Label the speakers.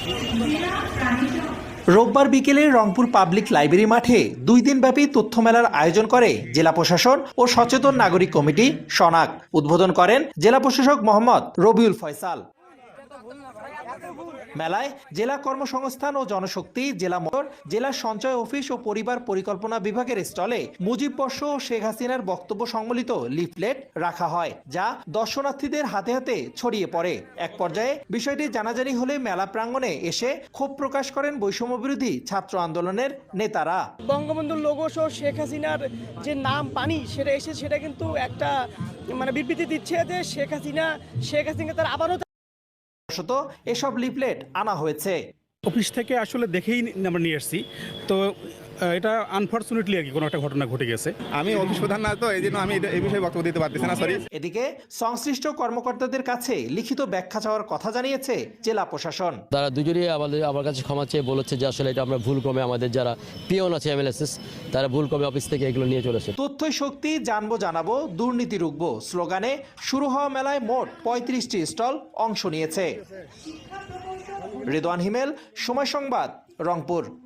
Speaker 1: রোববার বিকেলে Rangpur public library মাঠে 2 দিনব্যাপী তথ্য মেলার আয়োজন করে জেলা প্রশাসন ও সচেতন নাগরিক কমিটি সনাক। উদ্বোধন করেন জেলা প্রশাসক মোহাম্মদ রবিউল ফয়সাল। মেলায় জেলা কর্মসংস্থান ও জনশক্তি, জেলা মোটর, জেলা সঞ্চয় অফিস ও পরিবার পরিকল্পনা বিভাগের স্টলে মুজিব বর্ষ ও শেখ হাসিনার বক্তব্য সম্বলিত লিফলেট রাখা হয়, যা দর্শনার্থীদের হাতে হাতে ছড়িয়ে পড়ে। এক পর্যায়ে বিষয়টি জানাজানি হলে মেলা প্রাঙ্গণে এসে ক্ষোভ প্রকাশ করেন বৈষম্য বিরোধী ছাত্র আন্দোলনের নেতারা।
Speaker 2: বঙ্গবন্ধুর লোগো সহ শেখ হাসিনার যে নাম পানি সেটা কিন্তু একটা বিবৃতি দিচ্ছে যে শেখ হাসিনা তার আবারও
Speaker 1: এসব লিফলেট আনা হয়েছে
Speaker 3: অফিস থেকে, আসলে দেখেই আমরা নিয়ে এসেছি। তো এটা আনফরচুনেটলি আর কি কোনো একটা ঘটনা ঘটে গেছে।
Speaker 4: আমি অফিস প্রধান না, তো এই জন্য আমি এই বিষয়ে বক্তব্য দিতে পারতেছি না, সরি।
Speaker 1: এদিকে সংশ্লিষ্ট কর্মকর্তাদের কাছে লিখিত ব্যাখ্যা চাওয়ার কথা জানিয়েছে জেলা প্রশাসন।
Speaker 5: তারা দুজনেই আমার কাছে ক্ষমা চেয়ে বলেছে যে আসলে এটা আমরা ভুলক্রমে, আমাদের যারা পিয়ন আছে এমএলএসএস, তারা ভুলক্রমে অফিস থেকে এগুলো নিয়ে চলেছে।
Speaker 1: তথ্যই শক্তি, জানবো জানাবো, দুর্নীতি রুখবো স্লোগানে শুরু হওয়া মেলায় মোট 35টি স্টল অংশ নিয়েছে। রিদওয়ান হিমেল, সময় সংবাদ, রংপুর।